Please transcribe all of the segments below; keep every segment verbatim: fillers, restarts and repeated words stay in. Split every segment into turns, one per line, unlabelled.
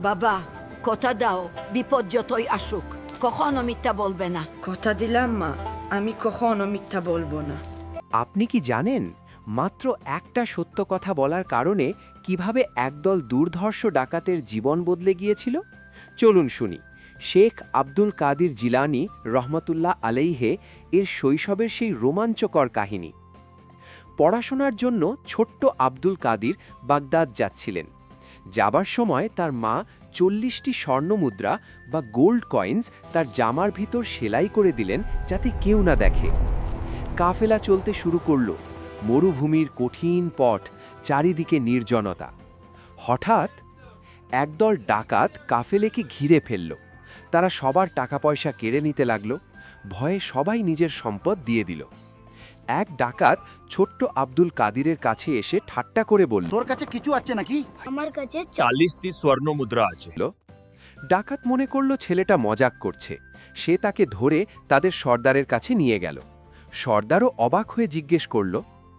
বাবা, কথা দাও, বিপদ যতই আসুক কখনো মিথ্যা বলবে না।
কথা দিলাম মা, আমি কখনো মিথ্যা বলবো না।
আপনি কি জানেন মাত্র একটা সত্য কথা বলার কারণে কিভাবে একদল দুর্ধর্ষ ডাকাতের জীবন বদলে গিয়েছিল? চলুন শুনি শেখ আব্দুল কাদির জিলানী রহমতুল্লাহ আলাইহে এর শৈশবের সেই রোমাঞ্চকর কাহিনী। পড়াশোনার জন্য ছোট্ট আব্দুল কাদির বাগদাদ যাচ্ছিলেন। যাবার সময় তার মা চল্লিশটি স্বর্ণমুদ্রা বা গোল্ড কয়েন্স তার জামার ভিতর সেলাই করে দিলেন যাতে কেউ না দেখে। কাফেলা চলতে শুরু করল। মরুভূমির কঠিন পথ, চারিদিকে নির্জনতা। হঠাৎ একদল ডাকাত কাফেলেকে ঘিরে ফেলল। তারা সবার টাকা পয়সা কেড়ে নিতে লাগল। ভয়ে সবাই নিজের সম্পদ দিয়ে দিল। এক ডাকাত ছোট্ট আব্দুল কাদিরের কাছে এসে ঠাট্টা করে বলল,
তোর কাছে কিছু আছে নাকি?
আমার কাছে
চালিশটি স্বর্ণ মুদ্রা আছে।
ডাকাত মনে করল ছেলেটা মজাক করছে। সে তাকে ধরে তাদের সর্দারের কাছে নিয়ে গেল। সর্দারও অবাক হয়ে জিজ্ঞেস করল,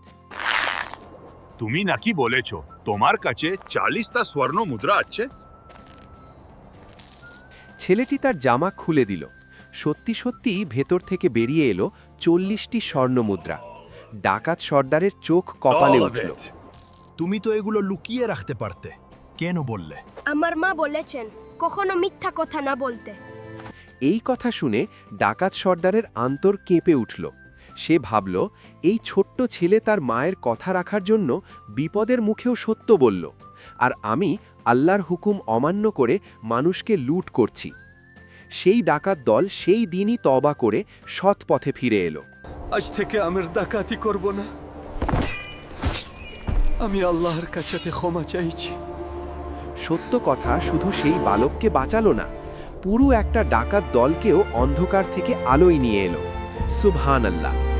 তুমি নাকি বলেছ তোমার কাছে চালিশটা স্বর্ণ মুদ্রা আছে?
ছেলেটি তার জামা খুলে দিল। সত্যি সত্যি ভেতর থেকে বেরিয়ে এলো চল্লিশটি স্বর্ণমুদ্রা। ডাকাত সর্দারের চোখ কপালে উঠল।
তুমি তো এগুলো লুকিয়ে রাখতে পারতে, কেন বললে?
আমার মা বলেছেন কখনো মিথ্যা কথা না বলতে।
এই কথা শুনে ডাকাত সর্দারের আন্তর কেঁপে উঠল। সে ভাবল, এই ছোট্ট ছেলে তার মায়ের কথা রাখার জন্য বিপদের মুখেও সত্য বলল, আর আমি আল্লাহর হুকুম অমান্য করে মানুষকে লুট করছি। সেই ডাকাত দল সেই দিনই তওবা করে সৎ পথে ফিরে এলো।
আজ থেকে আমের ডাকাতি করব না। আমি আল্লাহর কাছে ক্ষমা চাইছি।
সত্য কথা শুধু সেই বালককে বাঁচালো না, পুরো একটা ডাকাত দলকেও অন্ধকার থেকে আলোয় নিয়ে এলো। সুবহানাল্লাহ।